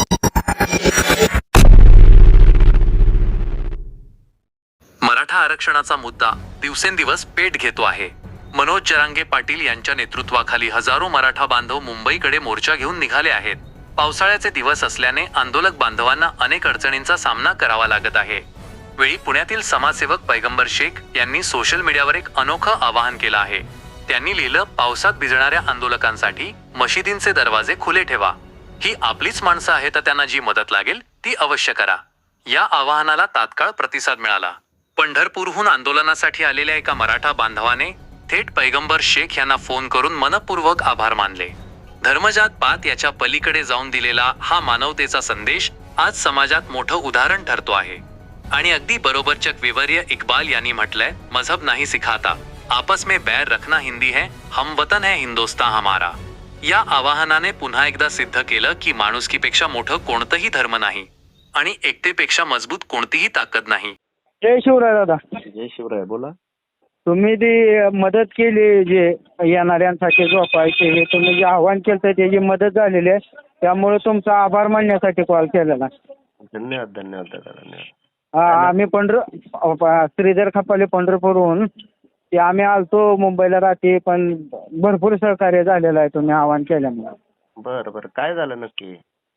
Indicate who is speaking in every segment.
Speaker 1: मराठा आरक्षणाचा मुद्दा दिवसेंदिवस पेट घेतो आहे. मनोज जरांगे पाटील यांच्या नेतृत्वाखाली हजारो मराठा बांधव मुंबईकडे मोर्चा घेऊन निघाले आहेत. पावसाळ्याचे दिवस असल्याने आंदोलक बांधवांना अनेक अडचणींचा सामना करावा लागत आहे. वेळी पुण्यातील समाजसेवक पैगंबर शेख यांनी सोशल मीडियावर एक अनोखं आवाहन केलं आहे. त्यांनी लिहिलं, पावसात भिजणाऱ्या आंदोलकांसाठी मशिदींचे दरवाजे खुले ठेवा. ही आपलीच माणसं आहेत, तर त्यांना जी मदत लागेल ती अवश्य करा. या आवाहनाला तात्काळ प्रतिसाद मिळाला. पंढरपूरहून आंदोलनासाठी आलेल्या एका मराठा बांधवाने थेट पैगंबर शेख यांना फोन करून मनपूर्वक आभार मानले. धर्मजात पात याच्या पलीकडे जाऊन दिलेला हा मानवतेचा संदेश आज समाजात मोठं उदाहरण ठरतो आहे. आणि अगदी बरोबर चकविवर्य इक्बाल यांनी म्हटलंय, मजहब नहीं सिखाता, आपस में बैर रखना हिंदी है, हम वतन है हिंदुस्तान हमारा. या आवाहनाने पुन्हा एकदा सिद्ध केलं की माणुसकीपेक्षा मोठं कोणतंही धर्म नाही आणि एकतेपेक्षा मजबूत कोणतीही ताकद नाही.
Speaker 2: जय शिवराय दादा.
Speaker 3: जय शिवराय. बोला.
Speaker 2: तुम्ही ती मदत केली, जे येणाऱ्यांसाठी झोपायचे हे तुम्ही जे आव्हान केलं त्याची मदत झालेली आहे, त्यामुळे तुमचा आभार मानण्यासाठी कॉल केलेला.
Speaker 3: धन्यवाद धन्यवाद दादा, धन्यवाद.
Speaker 2: आम्ही श्रीधर खपाले पंढरपूरहून ते आम्ही आलतो मुंबईला रात्री, पण भरपूर सहकार्य झालेलं आहे तुम्ही आव्हान केल्यामुळे.
Speaker 3: बरं बरं, काय झालं नक्की?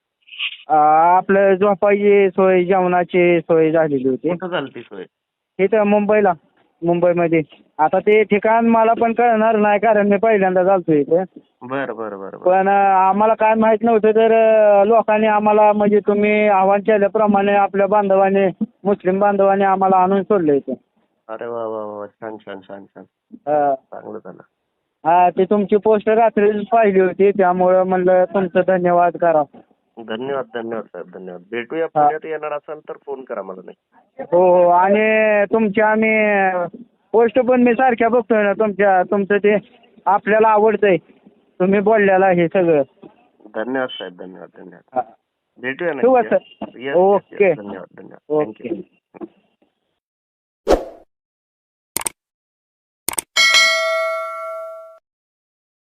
Speaker 2: आपलं झोपायची सोय, जेवणाची सोय झालेली होती.
Speaker 3: कुठं झाली ती सोय?
Speaker 2: इथं मुंबईमध्ये. आता ते ठिकाण मला पण कळणार नाही, कारण मी पहिल्यांदा चालतो इथे.
Speaker 3: बरं बरं बरं.
Speaker 2: पण आम्हाला काय माहित नव्हतं, तर लोकांनी आम्हाला, म्हणजे तुम्ही आव्हान केल्याप्रमाणे आपल्या बांधवाने, मुस्लिम बांधवाने आम्हाला आणून सोडलं इथे.
Speaker 3: अरे वा वा वा, छान छान छान छान,
Speaker 2: हा.
Speaker 3: चांगलं झालं.
Speaker 2: हा, ते तुमची पोस्ट रात्री पाहिली होती, त्यामुळे म्हणलं तुमचं धन्यवाद करा.
Speaker 3: धन्यवाद धन्यवाद साहेब, धन्यवाद. भेटूया. पुण्यात येणार असाल तर फोन करा मला. नाही
Speaker 2: हो हो, आणि तुमच्या आम्ही पोस्ट पण मी सारख्या बघतोय ना तुमचं ते आपल्याला आवडतंय, तुम्ही बोललेला हे सगळं.
Speaker 3: धन्यवाद साहेब, धन्यवाद धन्यवाद.
Speaker 2: हा.
Speaker 3: भेटूया
Speaker 2: ठेवू का
Speaker 3: नक्की.
Speaker 2: सर? ओके.
Speaker 3: धन्यवाद धन्यवाद.
Speaker 2: ओके.